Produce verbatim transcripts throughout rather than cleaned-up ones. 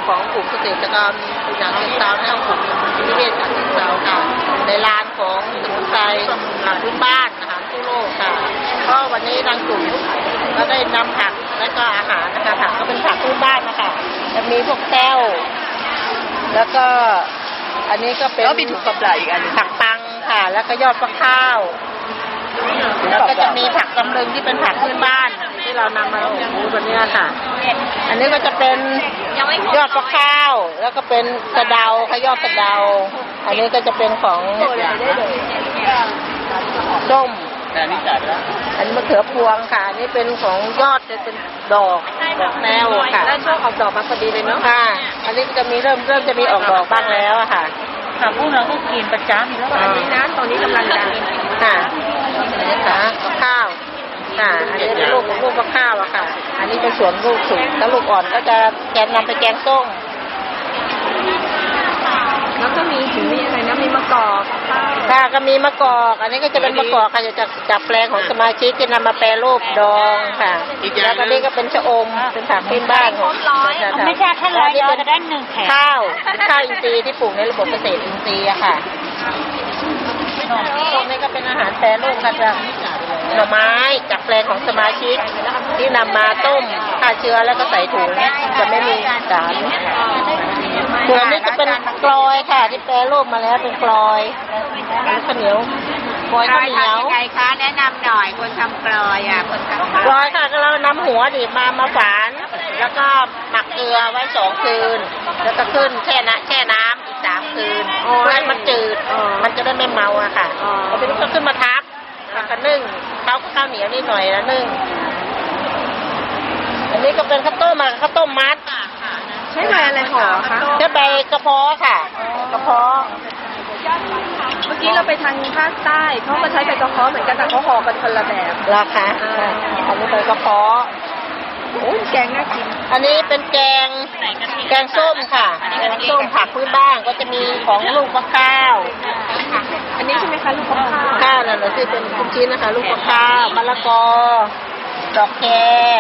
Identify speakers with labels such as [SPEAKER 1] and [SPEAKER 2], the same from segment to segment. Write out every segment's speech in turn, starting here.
[SPEAKER 1] ของกลุ่มเกษตรกรรมฉะเชิงเทราและกลุ่มนิเวศฉะเชิงเทราค่ะในลานของสมุนไพรพื้นบ้านอาหารทั่วโลกค่ะก็วันนี้ทางกลุ่มก็ได้นำผักและก็อาหารนะคะผักก็เป็นผักพื้นบ้านนะคะจะมีพวกแต้วแล้วก็อันนี้ก็เป็น
[SPEAKER 2] แล้วมีถุงกระป๋าอีกอัน
[SPEAKER 1] ผักปังค่ะแล้วก็ยอดฟักข้าวแล้วก็จะมีผักตำลึงที่เป็นผักพื้นบ้านที่เรานำมาโอ้วันนี้ค่ะอันนี้ก็จะเป็นยอดฟักข้าวแล้วก็เป็นสะเดาค่ะยอดสะเดาอันนี้ก็จะเป็นของส้ม
[SPEAKER 2] แต่นี่จัดแล้ว
[SPEAKER 1] อันนี้มะเขือพวงค่ะอันนี้เป็นของยอดจะเป็นดอกดอกแนวค่ะ
[SPEAKER 2] แล้วช่วงออกดอกมาพอดีเลยเนาะ
[SPEAKER 1] ค่ะอันนี้จะมีเริ่มเริ่มจะมีออกดอกบ้างแล้วค่ะ
[SPEAKER 2] ค่ะพวกเราก็กินประจำแล้วอันนี้นะตอนนี้กำลังดัง
[SPEAKER 1] ค่ะนี่ค่ะข้าวค่ะอันนี้เป็นลูกลูกมะข้าวอะค่ะอันนี้เป็นสวนลูกสูงแล้วลูกอ่อนก็จะแกนนำไปแกงส้ม
[SPEAKER 2] แล้วก็มีถึงมีอะไรนะมีมะกอก
[SPEAKER 1] ค่ะก็มีมะกอกอันนี้ก็จะเป็นมะกอกค่ะจากจากแปลงของสมาชิกที่นำมาแปรรูปดองค่ะแล้วก็นี่ก็เป็นชะอมเป็นผักพื้นบ้านของ
[SPEAKER 2] ไม่ใช่ถ้าร้อยเดียวจะได้หนึ่งแผง
[SPEAKER 1] ข้าวข้าวอินทรีย์ที่ปลูกในระบบเกษตรอินทรีย์อะค่ะตรงนี้ก็เป็นอาหารแปรรูปค่ะจากหน่อไม้จากแปลงของสมาชิกที่นำมาต้มฆ่าเชื้อแล้วก็ใส่ถุงจะไม่มีสารส่วนนี้จะเป็นกลอยค่ะที่แปรรูปมาแล้วเป็นกลอยข้าวเหนียวกลอยข้าวเหนียว
[SPEAKER 2] ยังไงคะแนะนำหน่อยคนทำกลอยอ่ะคนทำ
[SPEAKER 1] กลอยค่ะก็เรานำหัวดิบมามาฝานแล้วก็หมักเกลือไว้สองคืนแล้วก็ขึ้นแช่น้ำแช่น้ำอีกสามคืนเพื่อให้มันจืดมันจะได้ไม่เมาอะค่ะแล้วทีนี้ก็ขึ้นมาทับแล้วก็นึ่งเขาก็ข้าวเหนียวนิดหน่อยแล้วนึ่งอันนี้ก็เป็นข้าวต้มมาข้าวต้มมัด
[SPEAKER 2] ใช้ใบอะไรห่อคะ
[SPEAKER 1] ใช้ใบกระเพาะค่ะกระเพาะ
[SPEAKER 2] เมื่อกี้เราไปทางภาคใต้เขามาใช้ใบกระเพาะเหมือนกันแต่เขาห่อกันคนละแบบ
[SPEAKER 1] ราคาอันนี้ใบกระเพาะ
[SPEAKER 2] โอ้ยแกงน่ากิน
[SPEAKER 1] อันนี้เป็นแกงแกงส้มค่ะแกงส้มผักพื้นบ้านก็จะมีของลูกมะข้าว
[SPEAKER 2] อันนี้ใช่ไหมคะลูกมะข้าว
[SPEAKER 1] ข้าวนั่นแหละที่เป็นชิ้นนะคะลูกมะข้าวมะละกอดอกแค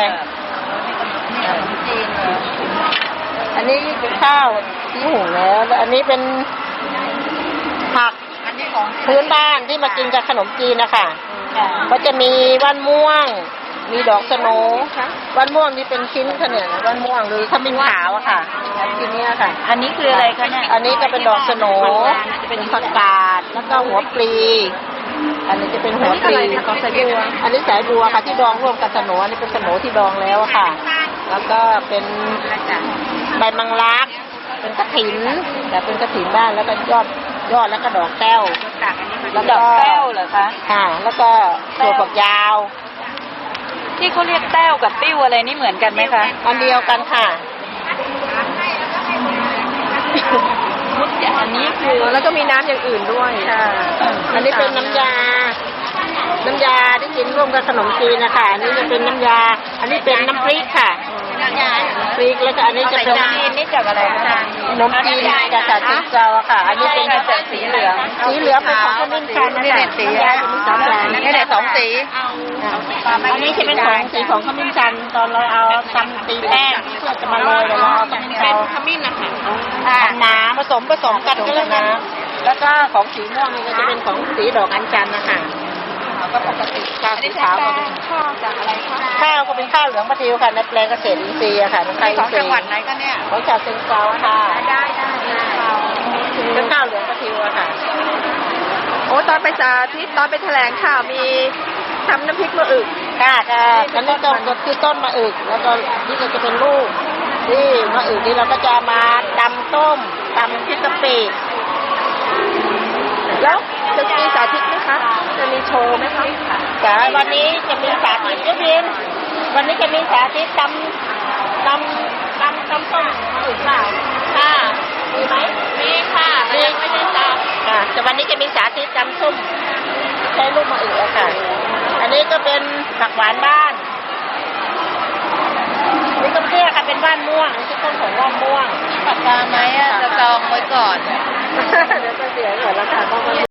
[SPEAKER 1] อันนี้เป็นข้าวที่หุงแล้วแล้วอันนี้เป็นผักพื้นบ้านที่มากินกับขนมจีนนะคะก็จะมีว่านม่วงมีดอกสโนว่านม่วงที่เป็นชิ้นขนาดว่านม่วงหรือขมิ้นขาวอะค่ะชิ้นนี้ค่ะ
[SPEAKER 2] อันนี้คืออะไรคะเนี่ย
[SPEAKER 1] อันนี้ก็เป็นดอกสโนเป็นผักกาดแล้วก็หัวปลีอันนี้จะเป็นหัวปลีของสายบัวอันนี้สายบัวค่ะที่ดองร่วมกับสโนอันนี้เป็นสโนที่ดองแล้วค่ะแล้วก็เป็นใบมังลักเป็นกระถินแต่เป็นกระถินบ้านแล้วก็ยอดยอดแล้วก็ดอกแก้ว
[SPEAKER 2] แล้วดอกแก้วเหรอคะ
[SPEAKER 1] ค่ะแล้วก็ตัวฝักยาว
[SPEAKER 2] ที่เขาเรียกแต้วกับติ้วอะไรนี่เหมือนกันไหมคะ
[SPEAKER 1] อันเดียวกันค่ะ
[SPEAKER 2] อันนี้คือแล้วก็มีน้ำอย่างอื่นด้วย
[SPEAKER 1] ค่ะอันนี้เป็นน้ำยาน้ำยาที่กินร่วมกับขนมจีนนะคะอันนี้จะเป็นน้ำยาอันนี้เป็นน้ำพริกค่ะน้ำยาพริกแล้วก็อันนี้จะเป็น
[SPEAKER 2] น้ำจีนนี่จากอะไรคะ
[SPEAKER 1] น้ำจีนจากฉะเชิงเทราค่ะอันนี้เป็น
[SPEAKER 2] จากสีเหลือง
[SPEAKER 1] สีเหลืองเป็นของขมิ้นชัน
[SPEAKER 2] นี่แหละสี
[SPEAKER 1] ยาจะมีสองอย่าง
[SPEAKER 2] นี่แหละสองสี
[SPEAKER 1] อันนี้จะเป็นของสีของขมิ้นชันตอนเราเอาทำตีแป้งเพื่อจะมาโรยแล้วเราขมิ้นชัน
[SPEAKER 2] ขมิ้นนะคะ
[SPEAKER 1] น้ำผสมผสมกันก็แล้วนะแล้วก็ของสีม่วงนี่ก็จะเป็นของสีดอกอัญชันนะคะก็ปกติข้าวสีขาวก็เป็น
[SPEAKER 2] ข้าวจากอะไรคะ
[SPEAKER 1] ข้าวก็เป็นข้าวเหลืองมะทิวค่ะในแปลงเกษตรอินทรีย์ค่ะ
[SPEAKER 2] ของจังหวัดไหนก็เนี่ย
[SPEAKER 1] ของฉะเชิงเทราค่ะ
[SPEAKER 2] ได้ได้
[SPEAKER 1] เป็นข้าวเหลืองมะทิวค่ะ
[SPEAKER 2] โอ้ตอนไปสาธิตตอนไปแถลงข่าวมีทำน้ำพริกมะอึก
[SPEAKER 1] ค่ะค่ะอันนี้ก็คือต้นมะอึกแล้วก็นี่ก็จะเป็นลูกที่มะอึกนี่เราก็จะมาตำต้มตำพริกกะปิ
[SPEAKER 2] แล้วจะมีสาธิตไหมคะจะมีโชว์ไหมคะ
[SPEAKER 1] จ้ะวันนี้จะมีสาธิตยุพินวันนี้จะมีสาธิตตำตำตำตำส้มอึกค่ะค่ะมีไหม
[SPEAKER 2] มีค่ะ
[SPEAKER 1] มีไม่ใช่ตำค่ะแต่วันนี้จะมีสาธิตตำส้มใช้ลูกมะอึกแล้วค่ะอันนี้ก็เป็นผักหวานบ้านนี่ก็เรียกค่ะเป็นว่านม่วงที่ต้นของว่านม่วง
[SPEAKER 2] ปากกาไหมอ่ะจะจองไว้ก่อน
[SPEAKER 1] เดี๋ยวจะเสียเงินราคาต้องมา